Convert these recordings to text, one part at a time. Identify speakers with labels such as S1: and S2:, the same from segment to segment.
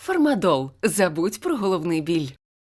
S1: Фармадол. Забудь про головний біль.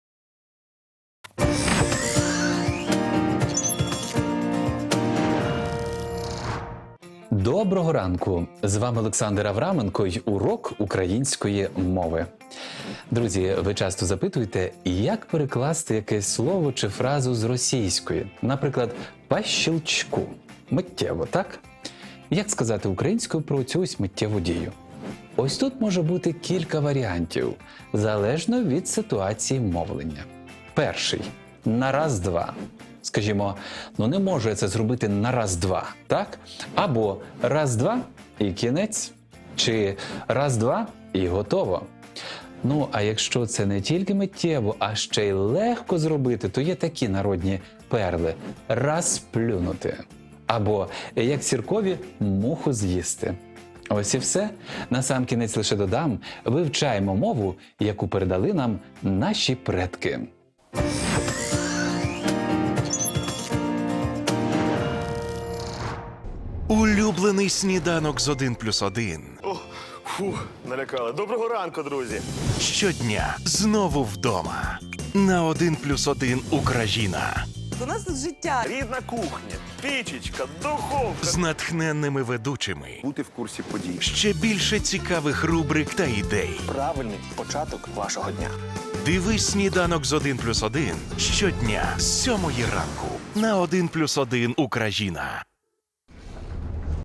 S2: Доброго ранку! З вами Олександр Авраменко й урок української мови. Друзі, ви часто запитуєте, як перекласти якесь слово чи фразу з російської? Наприклад, «по щелчку». Миттєво, так? Як сказати українською про цю ось миттєву дію? Ось тут може бути кілька варіантів, залежно від ситуації мовлення. Перший – на раз-два. Скажімо, не можу я це зробити на раз-два, так? Або раз-два і кінець, чи раз-два і готово. А якщо це не тільки миттєво, а ще й легко зробити, то є такі народні перли – розплюнути. Або, як сіркові, муху з'їсти. Ось і все. Насамкінець лише додам, вивчаємо мову, яку передали нам наші предки.
S3: Улюблений сніданок з 1+1.
S4: Налякали. Доброго ранку, друзі.
S3: Щодня знову вдома. На 1+1 Україна.
S5: У нас тут життя.
S4: Рідна кухня, пічечка, духовка.
S3: З натхненними ведучими.
S4: Бути в курсі подій.
S3: Ще більше цікавих рубрик та ідей.
S4: Правильний початок вашого дня.
S3: Дивись сніданок з 1+1 щодня з 7 ранку. На 1+1 Україна.